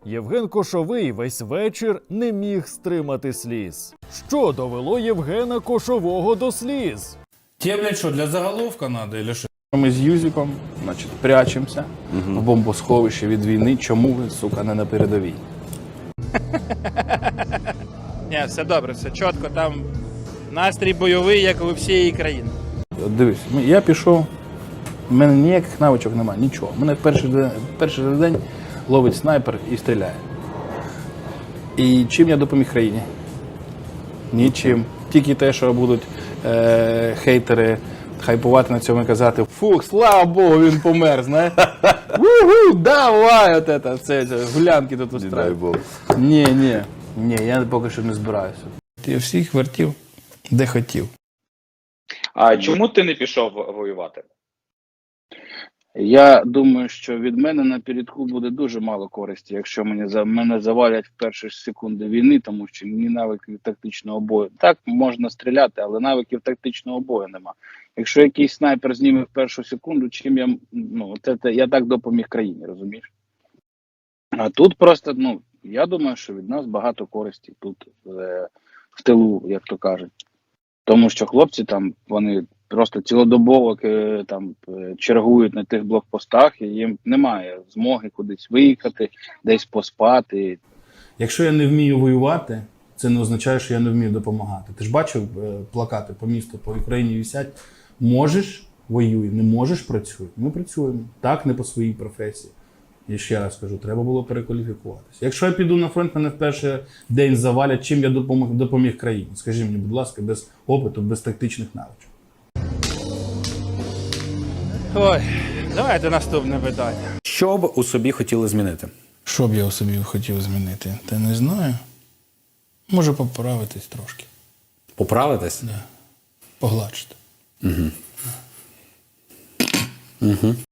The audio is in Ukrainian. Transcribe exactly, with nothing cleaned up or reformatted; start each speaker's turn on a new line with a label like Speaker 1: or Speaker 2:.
Speaker 1: Євген Кошовий весь вечір не міг стримати сліз. Що довело Євгена Кошового до сліз?
Speaker 2: Тебе, блядь, что, для заголовка надо или что?
Speaker 3: Ми з Юзиком, значить, прячемося в бомбосховищі від війни. Чому ви, сука, не на передовій?
Speaker 4: Ні, все добре, все чітко, там настрій бойовий, як у всієї країни.
Speaker 3: От дивись, ми- я пішов, в мене ніяких навичок немає, нічого. Мене перший день, перший же день ловить снайпер і стріляє. І чим я допоміг країні? Нічим. Тільки те, що будуть е- хейтери хайпувати на цьому і казати: фух, слава Богу, він помер, знаєш? Уху, давай, от це, це, це гулянки тут устраюють. Ні, ні, ні, я поки що не збираюся.
Speaker 2: Я всіх вертів, де хотів.
Speaker 5: А чому ти не пішов воювати?
Speaker 3: Я думаю, що від мене на передку буде дуже мало користі, якщо мене, за, мене завалять в перші ж секунди війни, тому що ні навиків тактичного бою. Так, можна стріляти, але навиків тактичного бою нема. Якщо якийсь снайпер зніме в першу секунду, чим я, ну, це, це, я так допоміг країні, розумієш? А тут просто, ну, я думаю, що від нас багато користі тут, е, в тилу, як то кажуть. Тому що хлопці там, вони просто цілодобово е, там е, чергують на тих блокпостах, і їм немає змоги кудись виїхати, десь поспати.
Speaker 2: Якщо я не вмію воювати, це не означає, що я не вмію допомагати. Ти ж бачив е, плакати по місту, по Україні висять. Можеш – воюй, не можеш – працюй. Ми працюємо. Так, не по своїй професії. Я ще раз кажу, треба було перекваліфікуватися. Якщо я піду на фронт, мене в перший день завалять, чим я допомог, допоміг країні? Скажи мені, будь ласка, без опиту, без тактичних навичок.
Speaker 4: Ой, давайте наступне питання.
Speaker 6: Що б у собі хотіли змінити?
Speaker 2: Що б я у собі хотів змінити? Та не знаю. Може поправитись трошки.
Speaker 6: Поправитись?
Speaker 2: Да. Погладшити.
Speaker 6: Угу. Угу.